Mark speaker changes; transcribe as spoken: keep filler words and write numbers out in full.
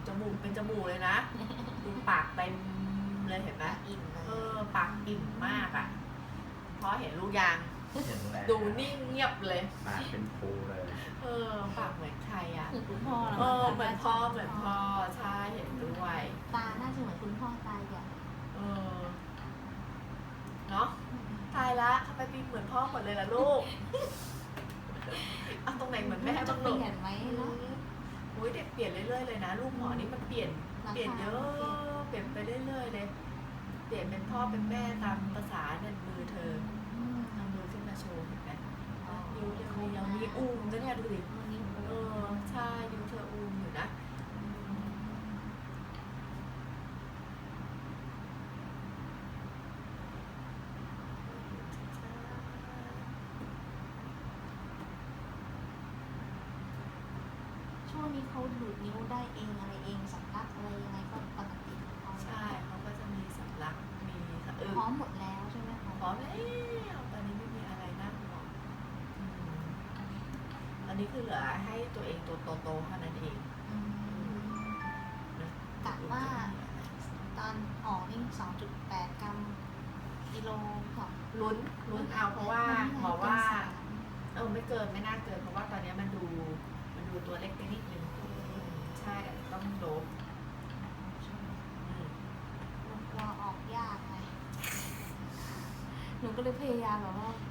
Speaker 1: จมูกเป็นจมูกเลยนะดูปากเต็มเลยเห็นไหม
Speaker 2: อิ่มเล
Speaker 1: เอย อปากอิ่มมากอ่ะเพราะเห็นลูกยาง
Speaker 3: เห็นแล้ว
Speaker 1: ดูนิ่งเงียบเลย
Speaker 3: ปากเป็นภูเลย
Speaker 1: เออปากเหมือนใครอ่ะ
Speaker 2: เหมือนคุณพ่อ
Speaker 1: เออเหมือนพ่อเหมือนพ่อใช่เห็นด้วย
Speaker 2: ตาน่าจะเหมือนคุณพ่อตาใหญ่
Speaker 1: เออเนาะตายละทำไมปีเหมือนพ่อหมดเลยล่ะลูกเอาตรงไหนเหมือนแม่
Speaker 2: จะ
Speaker 1: บ้าง
Speaker 2: เป
Speaker 1: ลูก
Speaker 2: ลี่ยนไหมเนาะ
Speaker 1: โอ้ยเด็กเปลี่ยนเรื่อยๆเลยนะลูกหมอนี่มันเปลี่ยน
Speaker 2: ราคา
Speaker 1: เปลี่ยนเยอะเปลี่ยนไปเรื่อยๆเลย เปลี่ยนเป็นพ่อเป็นแม่ตามภาษาเนี่ยมือเธอ
Speaker 2: อืม
Speaker 1: ทำมือขึ้นมาโชว์เห็นไหมนิ้วยังมียังมีอุ้มนะเนี่ยดูดิ
Speaker 2: วันนี้
Speaker 1: เออใช่นิ้วเธออุ้มอยู่นะ
Speaker 2: ช่วงนี้เขาดูดนิ้วได้เองอะไรเองสำลักอะไรยังไงก็ปกติของเขา
Speaker 1: ใช่เขาก็จะมีสำลักมีสะอึก
Speaker 2: พร้อมหมดแล้วใช่ไหมคะ
Speaker 1: พร้อมแล้วตอนนี้ไม่มีอะไรน่าห่วงอืมตอนนี้คือเหลือให้ตัวเองตัวโตๆเท่านั้นเอง
Speaker 2: อืม
Speaker 1: นะ
Speaker 2: กะว่าตอนออกนี่สองจุดแปดกรัมกิโลค่ะ
Speaker 1: ลุ้นลุ้นเอาเพราะว่าหมอว่าเออไม่เกินไม่น่าเกินเพราะว่าตอนนี้มันดูมันดูตัวเล็กไปนิดนึงใช่ต้องโดบอืม
Speaker 2: หนูกลัวออกยากไงหนูก็เลยพยายามแบบว่า